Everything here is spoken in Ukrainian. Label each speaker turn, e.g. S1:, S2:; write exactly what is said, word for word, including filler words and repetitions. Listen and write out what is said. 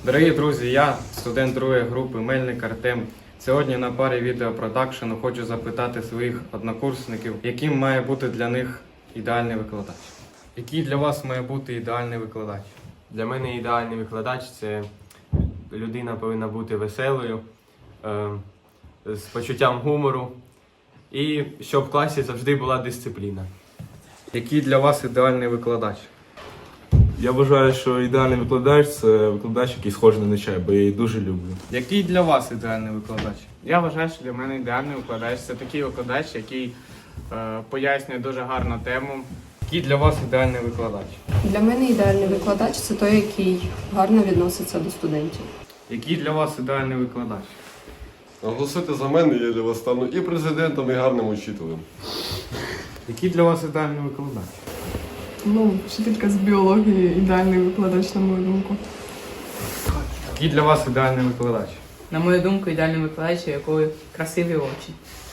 S1: Дорогі друзі, я студент другої групи Мельник Артем. Сьогодні на парі відеопродакшену хочу запитати своїх однокурсників, яким має бути для них ідеальний викладач. Який для вас має бути ідеальний викладач?
S2: Для мене ідеальний викладач – це людина повинна бути веселою, е, з почуттям гумору і щоб в класі завжди була дисципліна.
S1: Який для вас ідеальний викладач?
S3: Я вважаю, що ідеальний викладач – це викладач, який схожий на Нечай, бо я її дуже люблю.
S1: Який для вас ідеальний викладач?
S4: Я вважаю, що для мене ідеальний викладач – це такий викладач, який е, пояснює дуже гарну тему.
S1: Який для вас ідеальний викладач?
S5: Для мене ідеальний викладач – це той, який гарно відноситься до студентів.
S1: Який для вас ідеальний викладач?
S6: Голосуйте за мене, я для вас стану і президентом, і гарним учителем.
S1: Який для вас ідеальний викладач?
S7: Ну, вчителька з біології ідеальний викладач, на мою думку.
S1: Який для вас ідеальний викладач?
S8: На мою думку, ідеальний викладач, у якого красиві очі.